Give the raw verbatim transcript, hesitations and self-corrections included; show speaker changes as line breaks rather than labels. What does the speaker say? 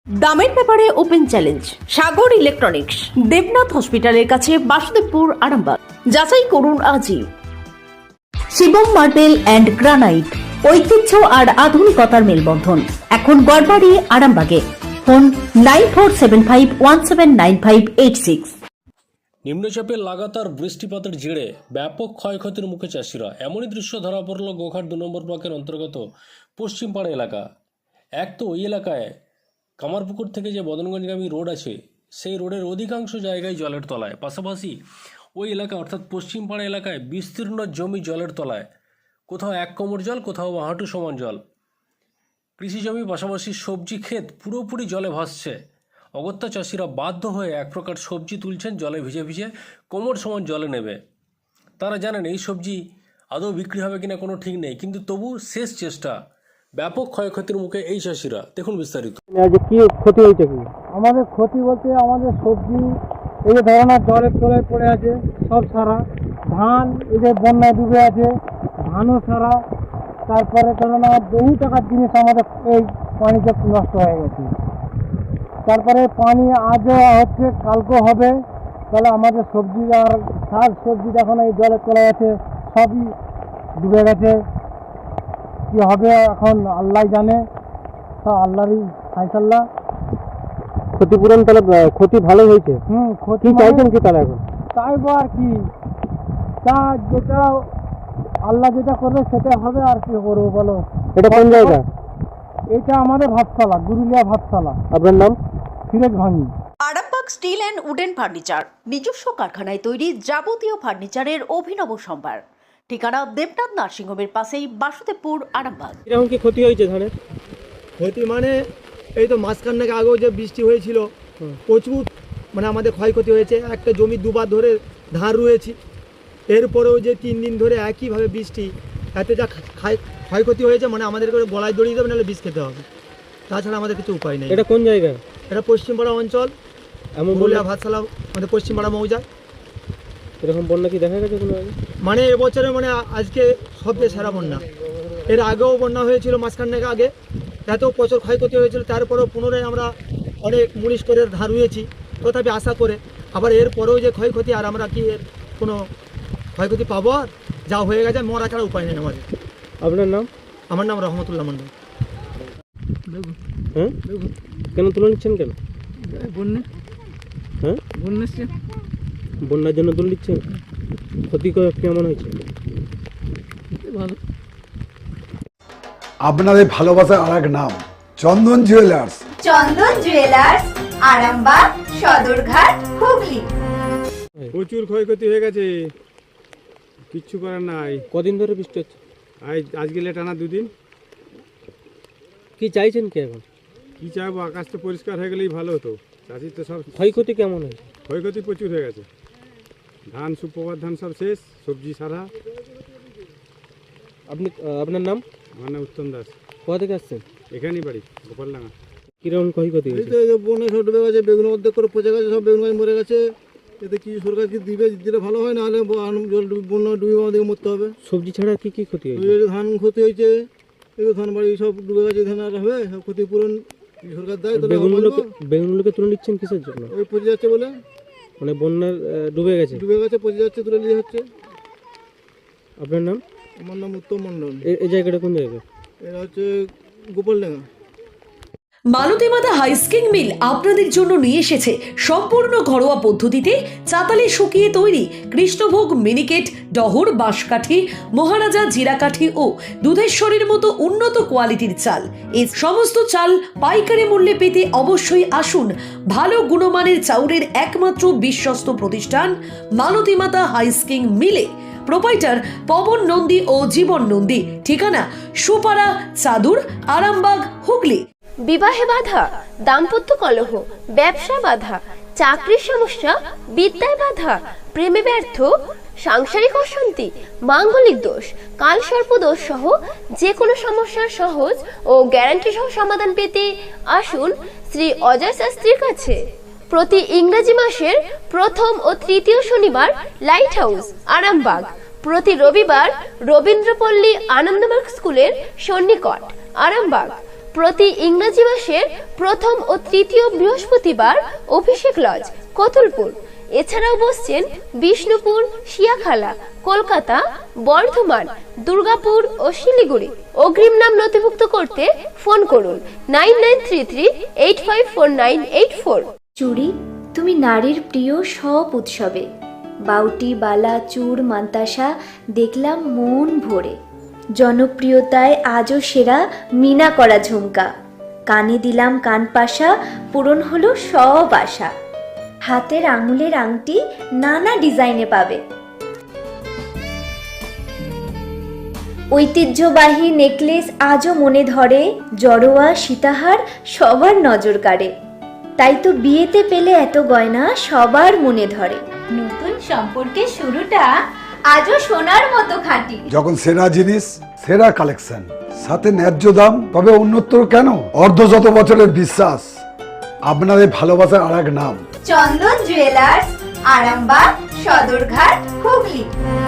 দামের ব্যাপারে open challenge Sagar electronics, Debnath হসপিটালের কাছে, বাসুদেবপুর, আরামবাগ। যাচাই করুন আজই। শিবম মার্বেল অ্যান্ড গ্রানাইট, ঐতিহ্য আর আধুনিকতার মেলবন্ধন, এখন গড়বাড়ি, আরামবাগে। Phone nine four seven five one seven nine five eight six.
নিম্নচাপের লাগাতার বৃষ্টিপাতের জেরে ব্যাপক ক্ষয়ক্ষতির মুখে চাষিরা। এমনই দৃশ্য ধরা পড়ল গোঘাট দু নম্বর ব্লকের অন্তর্গত পশ্চিমপাড়া এলাকা। এক তো ওই এলাকায় কামারপুকুর থেকে যে বদনগঞ্জগামী রোড আছে, সেই রোডের অধিকাংশ জায়গায় জলের তলায়। পাশাপাশি ওই এলাকা অর্থাৎ পশ্চিমপাড়া এলাকায় বিস্তীর্ণ জমি জলের তলায়, কোথাও এক কোমর জল, কোথাও হাঁটু সমান জল। কৃষি জমি পাশাপাশি সবজি ক্ষেত পুরোপুরি জলে ভাসছে। অগত্যা চাষিরা বাধ্য হয়ে এক প্রকার সবজি তুলছেন জলে ভিজে ভিজে, কোমর সমান জলে নেবে। তারা জানেন এই সবজি আদৌ বিক্রি হবে কিনা কোনো ঠিক নেই, কিন্তু তবু শেষ চেষ্টা। ব্যাপক ক্ষয়ক্ষতির মুখে এই চাষিরা। দেখুন বিস্তারিত।
কি ক্ষতি হয়েছে? কি আমাদের ক্ষতি বলতে আমাদের সবজি এই যে ধরনের জলের তলায় পড়ে আছে সব সারা, ধান এই যে বন্যায় ডুবে আছে ধানও সারা, তারপরে ধরুন বহু টাকার জিনিস আমাদের এই পানিতে নষ্ট হয়ে গেছে। তারপরে পানি আজও হচ্ছে, কালকেও হবে, তাহলে আমাদের সবজি আর শাক সবজি এখন এই জলের তলায় আছে, সবই ডুবে গেছে। কি হবে এখন আল্লাহ জানে, তা আল্লাহরই ফায়সাল্লাহ। ক্ষতিপূরণ তাহলে ক্ষতি ভালো হয়েছে। হুম ক্ষতি চাইছেন কি তাহলে এখন? চাইবো আর কি, তা যেটা আল্লাহ যেটা করবে সেটা হবে, আর কি করবো বলো। এটা কোন জায়গা? এটা আমাদের ভাতশালা, গুরুলিয়া ভাতশালা। আপনার নাম? Firoz Bhangi.
Arambagh steel and wooden furniture, নিজস্ব কারখানায় তৈরি যাবতীয় ফার্নিচারের অভিনব সম্ভার। ঠিকানা দেবনাথ নার্সিংহোমের পাশেই, বাসুদেবপুর, আরামবাগ।
এরকম কি ক্ষতি হয়েছে ধানের?
ক্ষতি মানে এই তো মাঝখানে আগেও যে বৃষ্টি হয়েছিল প্রচুর, মানে আমাদের ক্ষয়ক্ষতি হয়েছে। একটা জমি দুবার ধরে ধান রুয়েছি, এরপরেও যে তিন দিন ধরে একইভাবে বৃষ্টি, এতে যা ক্ষয়ক্ষতি হয়েছে মানে আমাদের করে গলায় দড়িয়ে দেবে, নাহলে বিষ খেতে হবে, তাছাড়া আমাদের কিছু উপায় নেই।
এটা কোন জায়গা?
এটা পশ্চিমপাড়া অঞ্চল,
এমন
বলিয়া ভাতশালা, আমাদের পশ্চিমপাড়া মৌজা।
এরকম বন্যা কি দেখা গেছে কোনো আগে?
মানে এবছরে মানে আজকে সবচেয়ে সেরা বন্যা। এর আগেও বন্যা হয়েছিল মাঝখানে আগে, এত প্রচুর ক্ষয়ক্ষতি হয়েছিল। তারপরেও পুনরায় আমরা অনেক মুনিশ করে ধান রুয়েছি, তথাপি আশা করে। আবার এরপরেও যে ক্ষয়ক্ষতি, আর আমরা কি এর কোনো ক্ষয়ক্ষতি পাবো? আর যা হয়ে গেছে মরা ছাড়া উপায় নেই আমাদের।
আপনার নাম?
আমার নাম রহমতুল্লাহ মন্ডল।
হ্যাঁ, কেন তুলে নিচ্ছেন কেন?
বন্যা,
হ্যাঁ
বন্যা,
বন্যার জন্য তুলে নিচ্ছেন। ক্ষতি কেমন হয়েছে?
ভালো।
আপনাদের ভালোবাসার আর এক নাম চন্দন জুয়েলার্স।
চন্দন জুয়েলার্স, আরামবাগ, সদরঘাট, হুগলি।
প্রচুর ক্ষয়ক্ষতি হয়ে গেছে, কিচ্ছু করার নাই।
কদিন ধরে বৃষ্টি হচ্ছে?
আজ আজকে টানা দুদিন।
কি চাইছেন কি এখন?
কি চাইবো, আকাশটা পরিষ্কার হয়ে গেলেই ভালো হতো। চাষির তো সব
ক্ষয়ক্ষতি কেমন হয়েছে?
ক্ষয়ক্ষতি প্রচুর হয়ে গেছে। ধান, সুপ্রভাত ধান সব শেষ, সবজি সারা।
আপনি আপনার নাম?
আমার নাম উত্তম দাস।
কোথা থেকে আসছেন?
এখানেই বাড়ি, গোপালডাঙ্গা।
কিরকম ক্ষয়ক্ষতি হয়েছে?
বন্যা সব ডুবে গেছে, বেগুন অর্ধেক করে পচে গেছে, সব বেগুন গাছ মরে গেছে। এতে কি সরকার কি দিবে? দিলে ভালো হয়, নাহলে জল বন্যা ডুবে আমাদেরকে মরতে হবে।
সবজি ছাড়া কি কি ক্ষতি হয়েছে?
ধান ক্ষতি হয়েছে, এই ধান বাড়ি সব ডুবে গেছে, ধান আর হবে সব ক্ষতিপূরণ সরকার দেয়।
বেগুনগুলোকে বেগুনগুলোকে তুলে নিচ্ছেন কিসের জন্য?
ওই পচে যাচ্ছে বলে,
মানে বন্যার ডুবে গেছে,
ডুবে গেছে, পচে যাচ্ছে, তুলে নিয়ে হচ্ছে।
আপনার নাম?
আমার নাম উত্তম মন্ডল।
এই জায়গাটা কোন জায়গা?
এটা হচ্ছে গোপালডাঙ্গা।
মালতীমাতা হাইস্কিং মিল আপনাদের জন্য নিয়ে এসেছে সম্পূর্ণ ঘরোয়া পদ্ধতিতে চাতালে শুকিয়ে তৈরি কৃষ্ণভোগ মিনিকেট, ডহর, বাঁশকাঠি, মহারাজা জিরাকাঠি ও দুধেশ্বরীর মতো উন্নত কোয়ালিটির চাল। এই সমস্ত চাল পাইকারি মূল্যে পেতে অবশ্যই আসুন ভালো গুণমানের চাউলের একমাত্র বিশ্বস্ত প্রতিষ্ঠান মালতীমাতা হাইস্কিং মিলে। প্রোপাইটার পবন নন্দী ও জীবন নন্দী। ঠিকানা সুপারা, চাদুর, আরামবাগ, হুগলি।
বিবাহে বাধা, দাম্পত্য কলহ, ব্যবসা বাধা, চাকরির সমস্যা, বিদ্যায় বাধা, প্রেমে ব্যর্থ, সাংসারিক অশান্তি, মাঙ্গলিক দোষ, কালসর্প দোষ সহ যে কোনো সমস্যার সহজ ও গ্যারান্টি সহ সমাধান পেতে আসুন শ্রী অজয় শাস্ত্রীর কাছে। প্রতি ইংরেজি মাসের প্রথম ও তৃতীয় শনিবার লাইট হাউস, আরামবাগ। প্রতি রবিবার রবীন্দ্রপল্লী আনন্দমার্গ স্কুলের সন্নিকট, আরামবাগ। প্রতি ইংরেজি মাসের প্রথম ও তৃতীয় বৃহস্পতিবার অভিষেক লজ, কতুলপুর। এছাড়াও বসছেন বিষ্ণুপুর, শিয়াখালা, কলকাতা, বর্ধমান, দুর্গাপুর ও শিলিগুড়ি। অগ্রিম নাম নথিভুক্ত করতে ফোন করুন nine nine three three eight five four nine eight four.
চুড়ি, তুমি নারীর প্রিয় সব উৎসবে। বাউটি, বালা, চূড়, মান্তাসা দেখলাম মন ভরে। জনপ্রিয়তায় আজও সেরা মিনা করা ঝুমকা। কানে দিলাম কানপাশা, পূরণ হলো সব আশা। হাতের আঙুলের আংটি নানা ডিজাইনে পাবে। ঐতিহ্যবাহী নেকলেস আজও মনে ধরে। জড়োয়া, সীতাহার সবার নজর কাড়ে। তাই তো বিয়েতে পেলে এত গয়না সবার মনে ধরে। নতুন সম্পর্কের শুরুটা আজও সোনার মতো খাঁটি।
যখন সেরা জিনিস, সেরা কালেকশন, সাথে ন্যায্য দাম, তবে উন্নতর কেন? অর্ধ শত বছরের বিশ্বাস, আপনাদের ভালোবাসার আর এক নাম
চন্দন জুয়েলার্স, আরামবাগ, সদরঘাট, হুগলি।